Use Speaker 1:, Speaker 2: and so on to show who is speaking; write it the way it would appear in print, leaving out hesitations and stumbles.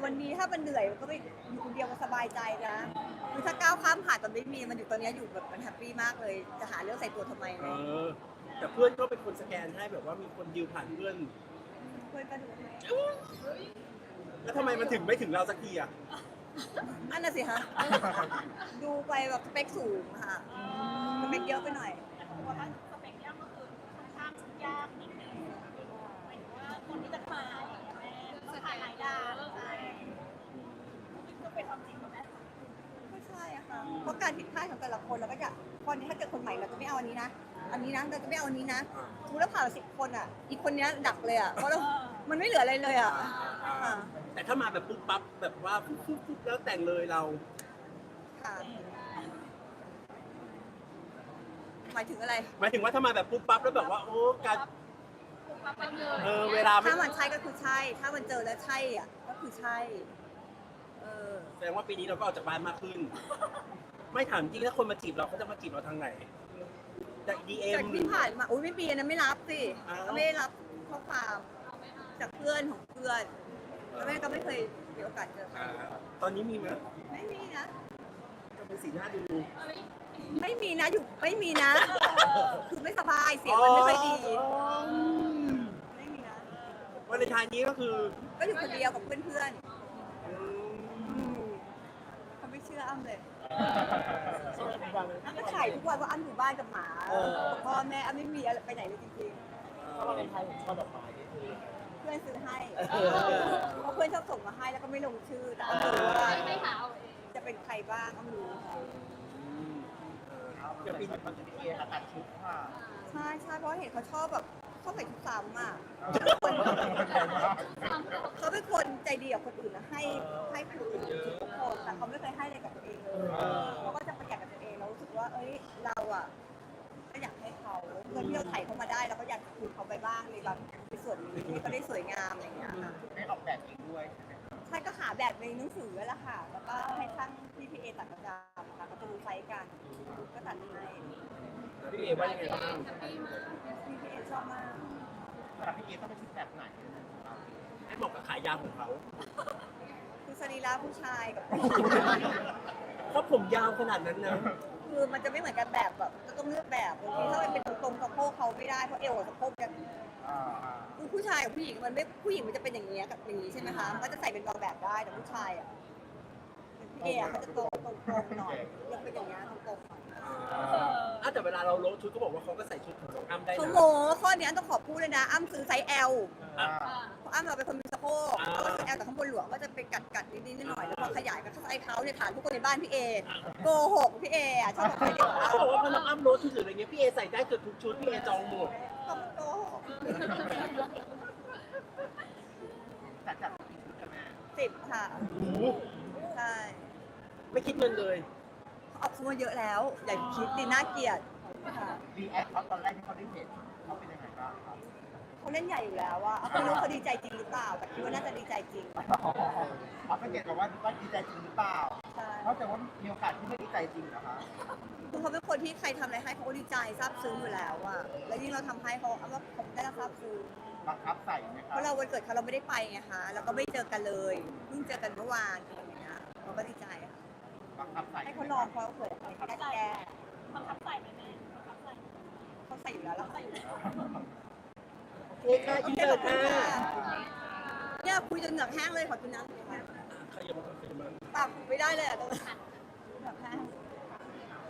Speaker 1: วันนี้ถ้ามันเหนื่อยมันก็ไม่อยู่คนเดียวมันสบายใจนะคือถ้าก้าวข้ามผ่านตอนไม่มีมันอยู่ตอนนี้อยู่แบบมันแฮปปี้มากเลยจะหาเรื่องใส่ตัวทำไม
Speaker 2: เอ
Speaker 1: เนี่ย
Speaker 2: อแต่เพื่อนก็เป็นคนสแกนให้แบบว่ามีคนดิวผ่านเพื่อน
Speaker 1: เพื่อนก็ดูให้
Speaker 2: แล้วทำไมมันถึงไม่ถึงเราสักทีอ่ะ
Speaker 1: อันน่ะสิคะดูไปแบบสเปคสูงค่ะสเปคเยอะไปหน่อย
Speaker 3: ว่าสเปคยากก็คือค่อนข้างยากนิดนึงหมายถึงว่าคนที่จะมาอย่างเงี้ยแม่ต้องถ่ายหลายดาวใช่ก็เป็นความจริงของแม่
Speaker 1: ไม่ใช่อะค่ะเพราะการผิดพลาดของแต่ละคนเราก็จะตอนนี้ถ้าเจอคนใหม่เราจะไม่เอาอันนี้นะอันนี้นะเราจะไม่เอาอันนี้นะสมมติเราผ่าน10 คนอ่ะอีกคนนี้ดักเลยอ่ะเพราะเรามันไม่เหลืออะไรเลยอ่ะค่ะ
Speaker 2: แต่ถ้ามาแบบปุ๊บปั๊บแบบว่าปุ๊บแล้วแต่งเลยเรา
Speaker 1: ค่ะหมายถึงอะไร
Speaker 2: หมายถึงว่าถ้ามาแบบปุ๊บปั๊บแล้วแบบว่าโอ้การ
Speaker 3: มาเป็นเลย
Speaker 2: เวลาไม่
Speaker 1: ถ้ามันใช่ก็คือใช่ ถ้ามันเจอแล้วใช่อ่ะก็คือใช่
Speaker 2: แสดงว่าปีนี้เราก็ออกจากบ้านมากขึ้น ไม่ถามจริงถ้าคนมาจีบเราเขาจะมาจีบเราทางไหนจากดีเอ็
Speaker 1: จาก
Speaker 2: ม
Speaker 1: ที่ผ่านมาอุ้ยไม่ปีนะไม่รับสิ
Speaker 2: อ้าว
Speaker 1: ไม่ได้รับข้อความจากเพื่อนของเพื่อนแล้วแม่ก็ไม่เคยมีโอกาสเจอใคร
Speaker 2: ตอนนี้มีไหม
Speaker 1: ไม่มีนะ
Speaker 2: ก็เป็นสีหน้าดู
Speaker 1: ไม่มีนะอยู่ไม่มีนะ คือไม่สบายเสียงมันไม่ค่อยดี ไม่มีนะ
Speaker 2: วันในทายนี้ก็คือ
Speaker 1: ก็อยู่คนเดียวกับเพื่อนๆเขาไม่เชื่ออ้ำเลยอ้ำก็ถ่ายทุกวันว่าอ้ำอยู่บ้านกับหมากับพ่อแม่อ้ำไม่มีอะไรไปไหนเลยจริงๆ
Speaker 4: ถ้าวันเลนไทน์ผมชอบดอกไม้นี่คือ
Speaker 1: เพื่อนซื้อให้เพราะเพื่อนชอบส่งมาให้แล้วก็ไม่ลงชื่อแต่อ้ำรู้ว่า
Speaker 3: ไม่หาเอาเอง
Speaker 1: จะเป็นใครบ้างอ้ำรู้
Speaker 4: เดี๋ยวปีนี้มันจะมีเอตัดชุดค่ะ
Speaker 1: ใช่ใช่เพราะเห็นเขาชอบแบบชอบใส่ชุดซ้ำอ่ะเขาเป็นคนใจดีกับคนอื่นนะให้คนอื่นทุกคนแต่เขาไม่เคยให้อะไรกับตัวเองเลยเขาก็จะประหยัดกับตัวเองแล้วรู้สึกว่าเอ้ยเราอ่ะก็อยากให้เขาเงินที่เราไถ่เขามาได้เราก็อยากคืนเขาไปบ้างในแบบในส่วนนี้ให้เขาได้สวยงามอะไรอย่างเงี้ยค่ะ
Speaker 4: ได้ออกแบบเองด้วยใช่ไหมครับ
Speaker 1: ใช่ก็หาแบบในหนังสือแหละค่ะ แล้วก็ให้ช่างที่พีเอตัดประจำค่ะก็จะรู้ไซส์กัน ก็ตัดให้
Speaker 2: พี่เอว่ายังไงบ้าง
Speaker 1: พี่พีเอชอบมาก
Speaker 4: แต่พี่เอต้องเป็นชุดแบบไหน
Speaker 2: ให้เหมาะกับขายาวของเขา
Speaker 1: คือสรีระผู้ชายกับ
Speaker 2: เพราะผมยาวขนาดนั้นนะ
Speaker 1: คือมันจะไม่เหมือนกันแบบก็ต้องเลือกแบบบางทีถ้ามันเป็นตรงๆสะโพกเขาไม่ได้เพราะเอวกับสะโพกกัน
Speaker 4: อ่า
Speaker 1: คือผู้ชายกับผู้หญิงมันไม่ผู้หญิงมันจะเป็นอย่างนี้ยกับอย่างนี้ใช่ไหมคะมันก็จะใส่เป็นบางแบบได้แต่ผู้ชายอ่ะพี่เอเขาจะตรงๆหน่อยเลือกเป็นอย่างนี้ยตรงๆหน่อย
Speaker 2: แต่เวลาเราโลดชุดก็บอกว่าเขาก็ใส่ชุดของน้องอ้ำได้
Speaker 1: เขา
Speaker 2: นะ
Speaker 1: โมข้อนี้ต้องขอพูดเลยนะอ้ำซื้อไซส์ L
Speaker 4: อ่า
Speaker 1: เพราะอ้ำเราเป็นคนมีสะโพกก็คือแอลแต่ข้างบนหลวงก็จะเป็นกัดนิดๆหน่อยๆแล้วพอขยายก็ไซส์เขาเนี่ยฐานทุกคนในบ้านพี่เอโกหกพี่เออ่ะชอบบอกให้เด็กว่า
Speaker 2: เขาบอกว่าพอน้องอ้ำโลดชุดหรืออะไรเงี้ยพี่เอใส่ได้เกือบทุกชุดพี่เอจองหมด
Speaker 1: เขาโกหก
Speaker 4: จัดกี่ชุดกันแม่
Speaker 1: 10 ค่ะ ใช่
Speaker 2: ไม่คิดเงินเลย
Speaker 1: เขาเอาเข้ามาเยอะแล้ว อย่าคิดดิน่าเกลียดค่ะ
Speaker 4: รีแอคเขาตอนแรกที่เขาได้เห็นเขาเป็นยังไงบ้างครับ
Speaker 1: เขาเล่นใหญ่อยู่แล้วว่าไม่รู้เขาดีใจจริงหรือเปล่า แต่คิดว่าน่าจะดีใจจริง
Speaker 4: เขาสังเกตกับว่าดีใจจริงหรือเปล่า
Speaker 1: ใช่
Speaker 4: เพราะแต่ว่ามีโอกาสที่ไม่ดีใจจริงนะคะ
Speaker 1: คือเขาเป็นคนที่ใครทำอะไรให้เขาก็ดีใจซาบซึ้งอยู่แล้วอะแล้วยิ่งเราทำให้เขาเอาว่าผมได้รับซาบซึ้ง
Speaker 4: บังคับใส่ไหมค
Speaker 1: เพ
Speaker 4: รับ
Speaker 1: ราะเราวันเกิดเขาเราไม่ได้ไปไงคะแล้วก็ไม่เจอกันเลยเพิ่งเจอกันเมื่อวานอะไรอย่างเงี้ยเราก็ดีใจค่ะ
Speaker 4: บังคับใส่
Speaker 1: ให้เขาลองเขาเกิดอะไรแก้แก้
Speaker 3: บังคับใส่ไหมแม่บังคับใส่
Speaker 1: เขาใส่อยู่แล้วแล้ว
Speaker 3: ใส่อยู่แล้ว
Speaker 2: โอเคค่ะอินเตอร์ค่ะ
Speaker 1: เนี่ยคุยจนเหงือกแห้งเลยขอกินน้ำหน่อยค่ะ
Speaker 2: ขยับมาขยับมา
Speaker 1: ปากไม่ได้เลยอะตรงนี้
Speaker 3: หัน